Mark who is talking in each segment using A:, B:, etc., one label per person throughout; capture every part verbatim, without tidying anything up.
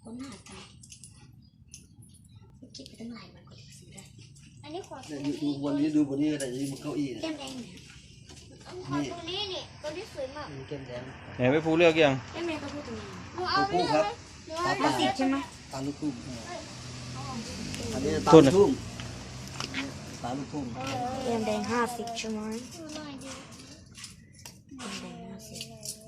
A: ค้นหากันคิดไปตั้งหลายวันกว่าจะซื้อได้อันนี้ขอดู
B: ดูบนนี้ดูบนนี้ก็ได้ดูบนเก้าอี้
A: แก้มแดงเนี่ยขอตรงนี้นี่ตรงนี้สวยมาก
B: แก้มแดง
C: ไหนไปภูเลือกยัง
A: แก้มแดงก็พูดตรงนี้หนูเอา
B: คู่ครับตาตาสิบ
A: ใช่ไหม
B: ตาลูกทุ่งอันนี้ตาลูกทุ่งตาลูกทุ่ง
A: แก้มแดงห้าสิบใช่ไหมแก้มแดงห้าสิบ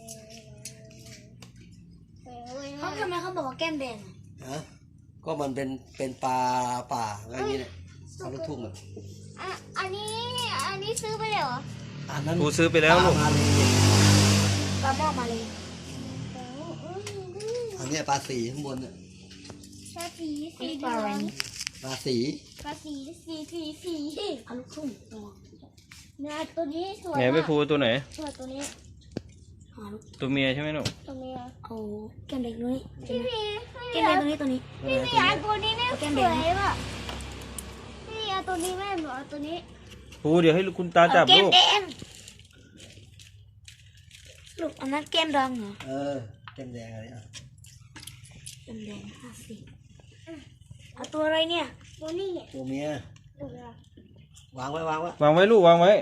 A: เขาทำไมเขาบอกว่าแก้มแดง
B: ฮะก็มันเป็นเป็นปลาป่าอะไรอย่างเงี้ยตาลูกทุ่งอ่ะ
D: อันนี้อันนี้ซื้อไปเลยเหรอ
B: อันนั้น
C: ภูซื้อไปแล้วลูก
A: ปลาหม้อมาเลย
B: อันนี้ปลาสีข้างบนเนี่ย
D: ปลาสีสี
A: ปลาอะไรนี่
B: ปลาสี
D: ปลาสีสีสีสี
A: ปลาลูกทุ่ง
D: เนี่ยตัวนี้สวย
C: ไหนไปภูตัวไหน
D: สวยตัวนี้
C: ตัวเมียใช่ไหมลูก
D: ตัวนี้
A: เอาแก้มแดงตรงนี้
D: พี่พี่
A: แก้มแดงตรงนี้ตัวนี้
D: พี่พี่เอาตัวนี้ไม่สวยป่ะพี่เอาตัวนี้แม่หนูเอาตัวนี้
C: ภูเดี๋ยวให้คุณตาจับลูก
A: แก้มแดงลูกอันนั้นแก้มดำเหรอ
B: เออแก้มแดงอะไรอ่ะ
A: แก้มแดงห้าสิบเอาตัวอะไรเนี่ย
D: ตัวนี้
B: ตัวเมีย วางไว้วางไว้
C: วางไว้ลูกวางไว้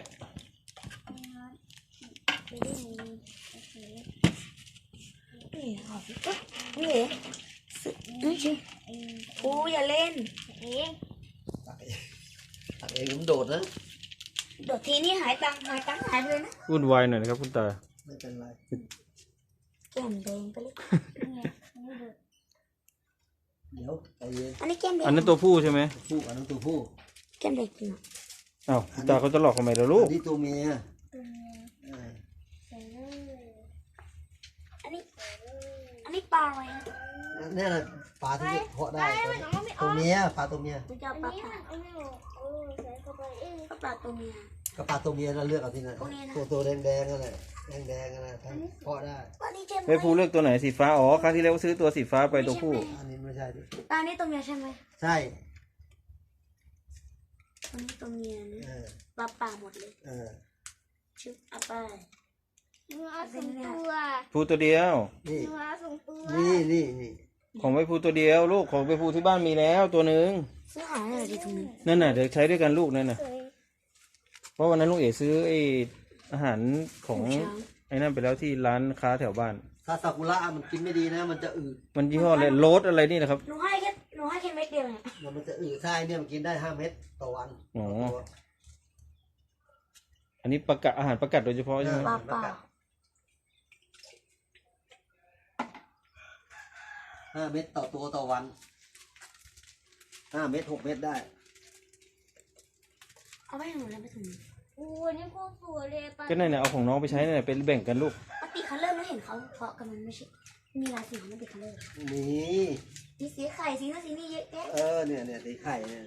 A: นี่เอานี่เหรอนี่ชิโอ้อย่าเล่น
D: เอง
B: ตักเองตักเองผมโดดนะ
A: โดดทีนี้หายตังหายตังหายเลยนะ
C: วุ่นวายหน่อยนะครับคุณตา
B: ไม่เป็นไร
A: แก้มแดงไปเลย
B: เดี๋ยวใจเย็น
A: อันนี้แก้มแดง
C: อันนั้นตัวผู้ใช่ไหม
B: ผู้อันนั้นตัวผู้
A: แก้มแดงจริง
C: อ้าวคุณตาเขาจะหลอกทำไมล่ะลูก
B: อันนี้ตัวเมีย
A: อันนี้อันนี้ปลาอะไรนะ
B: นี่แหละปลาที่เพาะได้ตัวเมียปลาตัวเมีย
A: มันจะปลาปลาก็ปลาตัวเมีย
B: ก็ปลาตัวเมียเราเลือกเอาที่ไหนตัวตัวแดงแดงนั่นแหละแดงแดงนั่นแหละเพาะได้
C: ไปภูเลือกตัวไหนสีฟ้าอ๋อครั้งที่แล้วซื้อตัวสีฟ้าไปตัวผู้
B: อันนี้ไม่ใช่ดิ
A: ตานี้ตัวเมียใช่ไหม
B: ใช่
A: ตัวนี้ตัวเมียนะปลาป่าหมดเลย
B: เออ
A: ชื่ออาปา
D: หนูเอาสองตัว
C: ภูตัวเดียว
B: นี่
D: หนูเอาสองตัว
B: นี่นี่นี่
C: ของไปภูตัวเดียวลูกของไปภูที่บ้านมีแล้วตัวหนึ่ง
A: ซื้อหาอะไรดีตรงนี้
C: นั่นน่ะเดี๋ยวใช้ด้วยกันลูกนั่นน่ะเพราะวันนั้นลุงเอ๋ซื้อไออาหารของไอ้นั่นไปแล้วที่ร้านค้าแถวบ้าน
B: ซาซากุระมันกินไม่ดีนะมันจะอืด
C: มันยี่ห้ออะไรโรสอะไรนี่นะครับ
A: หนูให้แค่หนูให้แค่เม็ดเดียว
B: เนี่ยมันจะอืดใช่เนี่ยมันกินได้ห้าเม็ดต่อวัน
C: อ๋ออันนี้ประกาศอาหารประกาศโดยเฉพาะใช่ไหม
A: ปลาป่า
B: ห้าเม็ดต่อตัวต่อวันห้าเม็ดหกเม็ดได้
A: เอาไว้หนูแล้วไปถุง
D: โอ้ยนี่โคตรสวยเลยปะ
C: ก็นั่นน่ะเอาของน้องไปใช้นั่นน่ะเป็นแบ่งกันลูก
A: ปกติคัลเลอร์ไม่เห็นเขาเพาะกันมันไม่ใช่มีลายสีของมันเป็นคัลเลอร์
B: นี่
A: มีสีไข่สีนั่นสีนี่เยอะแยะ
B: เออเนี่ยเนี่ยสีไข่เนี่ย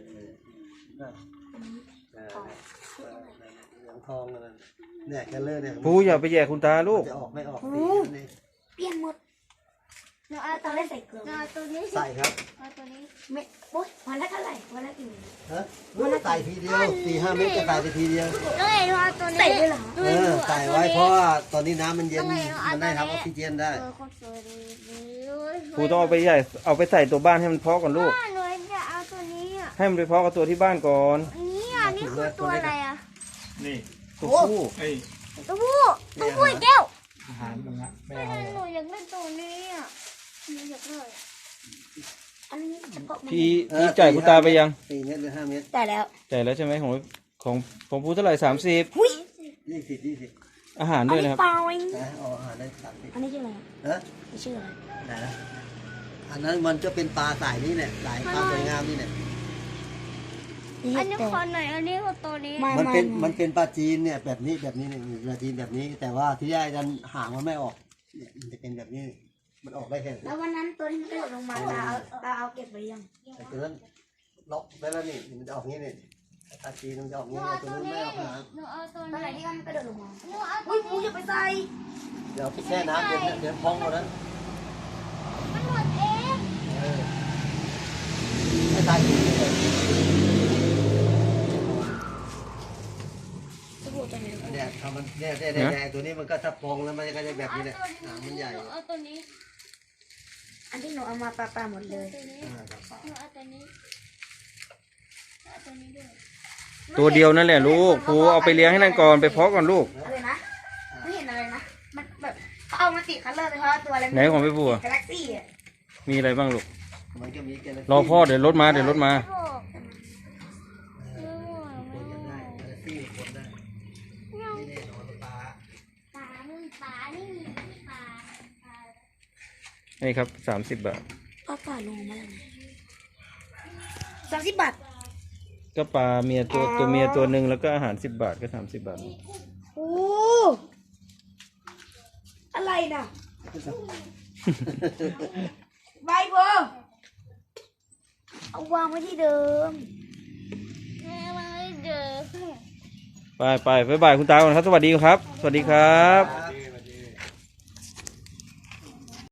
B: เหลืองทองนั่นเนี่ยคัลเลอร์เนี่ย
C: ปูอย่าไปแย่คุณตาลูก
B: จะออกไม่ออก
A: นี่เปลี่ยนหมด
D: หนูเอาตัวนี้ใส่เกลือเอาตัวนี้
B: ใส่ครับ
D: เอาตัวนี้
A: ไม่โอ๊ยวันละเท่าไหร่วันละกี่เม็ด
B: ฮะวันละใส่ทีเดียวสี่ห้าเม็ดจะใส่ไปทีเดียว
D: เอ้ยหนูเอาตัวนี้
A: ใส่ด้วยเหรอ
B: เออใส่ไว้เพราะว่าตอนนี้น้ำมันเย็นมันได้ทำออกซิเจนได้
C: ปูต้องเอาไปใหญ่เอาไปใส่ตัวบ้านให้มันเพาะก่อนลูก
D: หนูจะเอาตัวนี้อ่ะ
C: ให้มันไปเพาะกับตัวที่บ้านก่อน
D: นี่อ่ะนี่คือตัวอะไรอ่ะ
C: นี่ตัวผู้ไอ้
D: ตัวผู้ตัวผู้แก้ว
C: อาหารตรงนั้นไม่
D: เอาหนูอยากเล่นตัวนี้อ่ะหนูอยากเลย
A: อันนี้
C: พี่พี่จ่ายคุณตาไปยัง
B: สี่เม็ดหรือห้าเม็ด
A: จ่ายแล้ว
C: จ่ายแล้วใช่ไหมของของของปูเท่าไหร่สามสิบ
B: ยี่สิบยี่สิบ
C: อาหารด้วยนะครับ
A: ปลาเอง
B: อ๋ออาหารได้สามสิบ
A: อันนี้ชื่ออะไร
B: ฮะ
A: ชื่ออะไร
B: ไหนนะอันนั้นมันจะเป็นปลาสายนี้แหละสายปลาสวยงามนี่แหละ
D: อันนี้คนไหนอันนี้คือตัวนี้
B: มันเป็นมันเป็นปลาจีนเนี่ยแบบนี้แบบนี้เนี่ยปลาจีนแบบนี้แต่ว่าที่ได้ดันหางมันไม่ออกเนี่ยมันจะเป็นแบบนี้มันออกได้แค่
A: แล้ววันนั้นตัวที่มันกระโดดลงมาตาเอาตาเอาเก็บไว้ยัง
B: แต่ตัวนั้นล็อกได้แล้วนี่มันจะออกงี้นี่ปลาจีนมันจะออกงี้ตัวนั้นไม่ออกหาง
D: หนูเอาตัว
A: ไหนที่มันกระโดดลงมา
D: หนูเอา
A: อุ้ยปูอย่าไปใส่
B: เดี๋ยวแช่น้ำเดี๋ยวเดี๋ยวพองหมดแล้ว
D: มันหมดเอง
B: ไม่ตายจริงเลยเนี่ยทำมันเนี่ยเนี่ยเนี่ยตัวนี้มันก็ถ้าพองแล้วมันก็จะแบบนี้แหละหางมันใหญ่
D: เอาตัวนี้
A: อันที่หนูเอามาปลาปลาหมดเลย
D: ตัวนี้หนูเอาตัวนี้เอาตัวนี้ด้วย
C: ตัวเดียวนั่นแหละลูกครูเอาไปเลี้ยงให้นั่นก่อนไปเพาะก่อนลูก
A: อะไรนะไม่เห็นอะไรนะมันแบบเขาเอามาติดคัลเลอร์เลยเพราะว่าตัวอะไร
C: ไหนของพี่บัว
A: กาแล็กซี่อ่ะ
C: มีอะไรบ้างลูก
B: มันก็มีแกลเล็กซี่
C: รอพ่อเดี๋ยวรถมาเดี๋ยวรถมา
D: ไม่บอกไม่บอก
B: คนยังได้แกลเล็กซี่คนได้นี่นี่นอนปลา
D: ปลาไม่มีปลาไม่มีที่ปลาปลา
C: นี่ครับสามสิบบาท
A: ปลาปลาลงมาแล้วสามสิบบาท
C: ก็ปลาเมียตัวตัวเมียตัวหนึ่งแล้วก็อาหารสิบบาทก็สามสิบบาท
A: โอ้อะไรน่ะใบโบเอาวางไว้ที่เดิม
D: แม่มาให้เจอ
C: ไปไปบ๊ายบายคุณตาก่อนครับ สวัสดีครับ สวัสดีครับ
B: ปลา